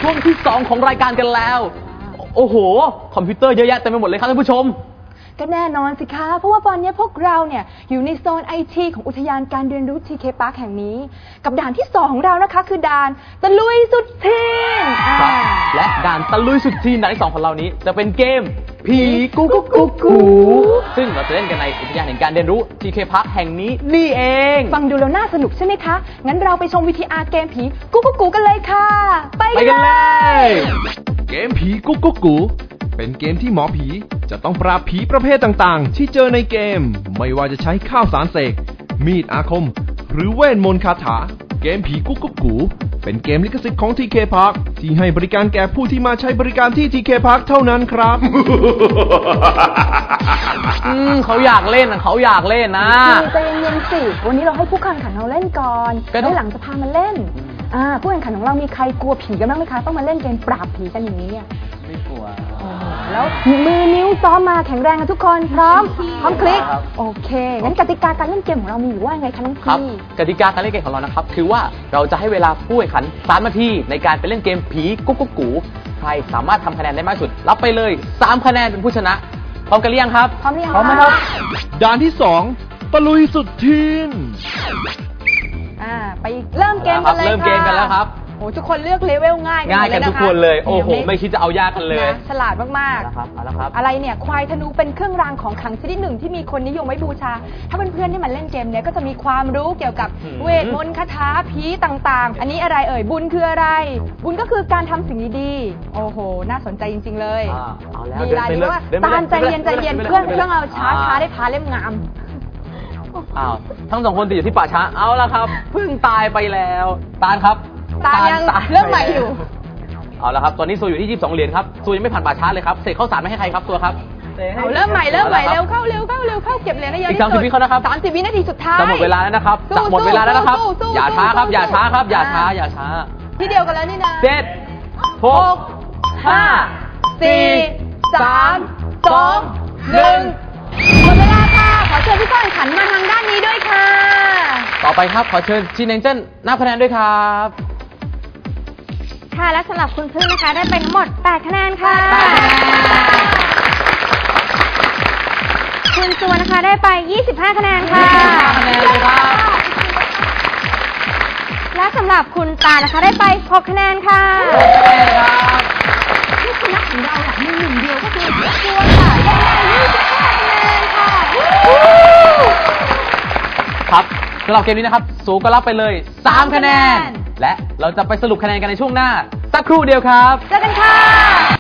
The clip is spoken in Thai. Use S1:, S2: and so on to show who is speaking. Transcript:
S1: ช่วงที่2ของรายการกันแล้วโอ้โหคอมพิวเตอร์เยอะแยะเต็มไปหมดเลยครับท่านผู้ชม
S2: ก็แน่นอนสิคะเพราะว่าตอนนี้พวกเราเนี่ยอยู่ในโซนไอทีของอุทยานการเรียนรู้ TK Park แห่งนี้กับด่านที่2ของเรานะคะคือด่านตะลุยสุดทีน
S1: และด่านตะลุยสุดทีนด่านที่2ของเรานี้จะเป็นเกมผีกุ๊กกุ๊กกุ๊กกูซึ่งเราจะเล่นกันในอุทยานแห่งการเรียนรู้ TK Park แห่งนี้นี่เอง
S2: ฟังดูแล้วน่าสนุกใช่ไหมคะงั้นเราไปชม VTR เกมผีกุ๊กกุ๊กกูกันเลยค่ะไป
S1: กันเลย
S3: เกมผีกุ๊กกุ๊กกูเป็นเกมที่หมอผีจะต้องปราบผีประเภทต่างๆที่เจอในเกมไม่ว่าจะใช้ข้าวสารเสกมีดอาคมหรือเวทมนต์คาถาเกมผีกุ๊กกุ๊กกูเป็นเกมลิขสิทธิ์ของ TK Park ที่ให้บริการแก่ผู้ที่มาใช้บริการที่ TK Park เท่านั้นครับ
S1: เขาอยากเล่นนะเขาอยากเล่นนะ
S2: ใจเย็นๆสิวันนี้เราให้ผู้แข่งขันเราเล่นก่อนแล้วหลังจะพามาเล่นผู้แข่งขันของเรามีใครกลัวผีกันบ้างไหมคะต้องมาเล่นเกมปราบผีกันอย่างนี้
S1: ไม่กลัว
S2: แล้วมือนิ้วซ้อมมาแข็งแรงกันทุกคนพร้อมคลิกโอเคงั้นกติกาการเล่นเกมของเรามีอยู่ว่าไงคะน้องพี่
S1: กติกาการเล่นเกมของเรานะครับคือว่าเราจะให้เวลาผู้แข่งขัน3 นาทีในการไปเล่นเกมผีกุ๊กกุ๊กกูใครสามารถทำคะแนนได้มากสุดรับไปเลย3 คะแนนเป็นผู้ชนะพร้อมกันหรือยังครับ
S2: พร้อมหรือยัง
S1: พร้อมครับ
S3: ด่านที่2ตะลุยสุดทีน
S2: ไปเริ่มเกมกันเลยค่ะ
S1: เริ่มเกมกันแล้วครับ
S2: โอ้ทุกคนเลือกเลเวลง่าย
S1: กันทุกคนเลยโอ้โหไม่คิดจะเอายากกันเลย
S2: ฉลาดมากๆอะไรเนี่ยควายธนูเป็นเครื่องรางของขลังชนิดหนึ่งที่มีคนนิยมไว้บูชาถ้าเพื่อนๆที่มาเล่นเกมเนี้ยก็จะมีความรู้เกี่ยวกับเวทมนต์คาถาผีต่างๆอันนี้อะไรเอ่ยบุญคืออะไรบุญก็คือการทำสิ่งดีๆโอ้โหน่าสนใจจริงๆเลยดีลายดีว่าตาลใจเย็นใจเย็นเพื่อนเราช้าได้พาเล่มงาม
S1: ทั้ง2 คนติดอยู่ที่ป่าช้าเอาละครับเพิ่งตายไปแล้วตาลครับ
S2: ตายังเริ่มใหม่อยู่
S1: เอาละครับตอนนี้ซูอยู่ที่22 เหรียญครับซูยังไม่ผ่านป่าช้าเลยครับเสกข้าวสารไม่ให้ใครครับตัวครับ
S2: เริ่มใหม่เร็วเข้าเก็บเหรียญได้เยอะที่สุด
S1: อีก30 วินาทีนะครับ
S2: 30 วินาทีสุดท้าย
S1: จะหมดเวลาแล้วนะครับจะหมดเวลาแล้วนะครับอย่าช้าครับอย่าช้าครับอย่าช้า
S2: ที่เดียวกันแล้วนี่นะ
S1: 7 6 5 4 3 2 1
S2: หมดเวลาค่ะขอเชิญพี่ก้อยขันมาทางด้านนี้ด้วยค่ะ
S1: ต่อไปครับขอเชิญชินเองเจิ้นนับคะแนนด้วยครับ
S4: ค่ะและสำหรับคุณพึ่งนะคะได้ไปทั้งหมด8 คะแนนค่ะคุณจวนนะคะได้ไป25 คะแนนค่ะ
S1: คะแนนเลยครับ
S4: และสำหรับคุณตานะคะได้ไป6 คะแนนค่ะ
S2: ผู้ชนะของเรามีหนึ่งเดียวก็คือจวนค่ะได้25 คะแนนค่ะ
S1: ครับสำหรับเกมนี้นะครับสูก็รับไปเลย3 คะแนนและเราจะไปสรุปคะแนนกันในช่วงหน้าสักครู่เดียวครับ
S2: เจอกันค่ะ